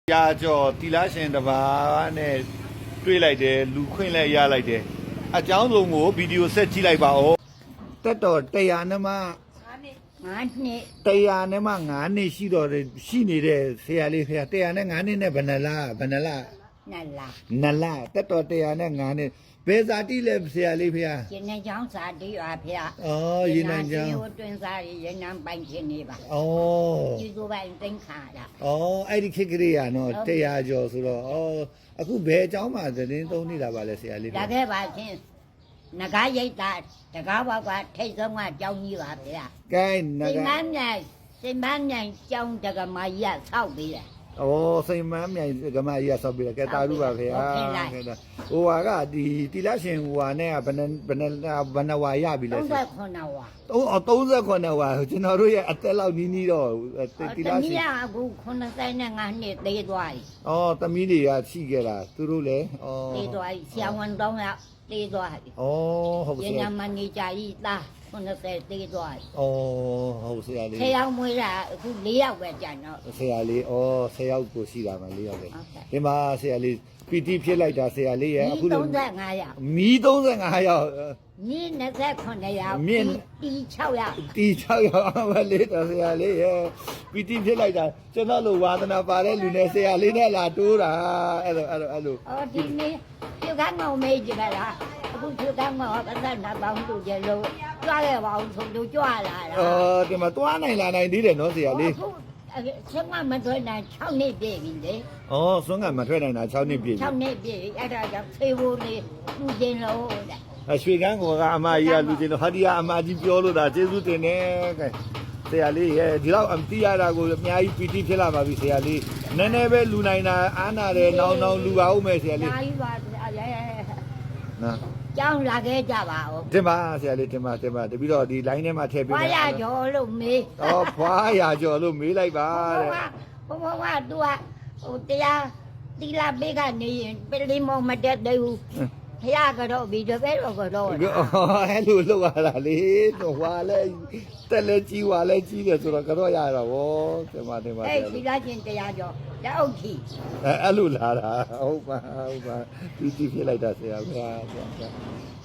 ရာကျော်တီလာရှင်တစ်ပါးနဲ့တွေ့လိုက်တယ်လူခွင့်လဲရလိုက်တယ်အကြောင်းစုံကိုဗီဒီယိုဆက်ကြည့်လိုက်ပါဦးတက်တော်100နဲ့မှ 9နှစ် 100နဲ့မှ9နှစ်ရှိတော့ရှိနေတဲ့ဆရာလေးဖေ100နဲ့9နှစ်နဲ့ဘယ်နှလားနလတက်တော်100နဲ့9နှစ်ဘယ်ဇာတိလဲဆရာလေးဖေရင်းနှချောင်းဇာတိပါဖေရင်းနှချောင်းတွင်စားရင်းနှပိုင်ခြင်းနေပါကျေးဇူးပိုင်သိမ့်ခါတာအဲ့ဒီခေတ်ကလေးရနော်100ကျော်ဆိုတော့အခုဘယ်အကြောင်းမှသတင်းသုံးနေတာပါလဲဆရာလေးဒါခဲ့ပါချင်းနဂါရိတ်တာတကားဘောက်ကထိတ်ဆုံးကကြောင်းကြီးပါဗျာကဲနဂါစိမန်းမြိုင်ကြောင်းတကမာကြီးကဆောက်ပေးတယ်စိမန်းမြိုင်ကမကြီးကဆောက်ပေးတယ်ကဲတာရုပါဖေဟာဟိုကဒီတီလာရှင်ဟိုဟာနဲ့ကဘယ်နှဝါရပြီလဲ 39ဝါ 39ဝါကျွန်တော်တို့ရဲ့အသက်လောက်နီးတော့တီလာရှင်အခု85နှစ်သေးသွားပြီသမီးတွေကရှိခဲ့တာသူတို့လည်းသေးသွားပြီဆရာဝန်တောင်းရသေးသွားပြီဟုတ်ကဲ့ညမနေကြကြီးသား90သေးသွားပြီဟုတ်ဆရာလေး 10ယောက်မွေးတာအခု4ယောက်ပဲကြံတော့ဆရာလေး10ယောက်ကိုရှိတာမှ4ယောက်ပဲဒီမှာဆရာလေးပီတိဖြစ်လိုက်တာဆရာလေးရဲ့အခု35ယောက်မီး35ယောက်မြင်း29ယောက်မြင်းတီ6ယောက်တီ6ယောက်အမလေးတော်ဆရာလေးရဲ့ပီတိဖြစ်လိုက်တာကျွန်တော်လိုဝါသနာပါတဲ့လူနဲ့ဆရာလေးနဲ့လာတိုးတာအဲ့လိုဒီနေ့ပြုတ်ကငေါမေးကြပါလားအခုပြုတ်ကငေါပတ်သက်နာပေါင်းသူကျလို့ကြွားခဲ့ပါအောင်ဆိုလို့ကြွားလာတာဒီမှာတွားနိုင်လာနိုင်သေးတယ်နော်ဆရာလေးဆွမ်းကမထွက်နိုင်6နှစ်ပြည့်ပြီလေဆွမ်းကမထွက်နိုင်တာ6နှစ်ပြည့် 6နှစ်ပြည့်အဲ့ဒါကြောင့်ဖေးဖို့လေးလူချင်းလို့တဲ့ရွှေကန်းကအမကြီးကလူချင်းလို့ဟာဒီကအမကြီးပြောလို့ဒါကျေးဇူးတင်တယ်ကဲဆရာလေးရဲ့ဒီလောက်အတိရတာကိုအများကြီးပီတိဖြစ်လာပါပြီဆရာလေးနည်းနည်းပဲလူနိုင်တာအားနာတယ်နောင်လူပါဦးမယ်ဆရာလေးအားကြီးပါဆရာရဲ့နော်ကျောင်းလာခဲ့ကြပါဦးတင်ပါဆရာလေးတင်ပါတပြီးတော့ဒီ line ထဲမှာထည့်ပေးမယ်ဖွာရကျော်လို့မေးဖွာရကျော်လို့မေးလိုက်ပါတဲ့ဘုံကသူကဟိုတရားတီလာဘေးကနေရင်ပလီမောမတက်သေးဘူးဖရကတော့ပြီးတော့ပဲတော့အဲ့လိုလုပ်ရတာလေတော့ဟွာလဲတက်လဲကြီးဟွာလဲကြီးတယ်ဆိုတော့ကတော့ရတာဗောတင်ပါအဲ့ဒီလာချင်းတရားကျော်လက်အုပ်ကြီးအဲ့လိုလာတာဟုတ်ပါတီဖြစ်လိုက်တာဆရာဗျာ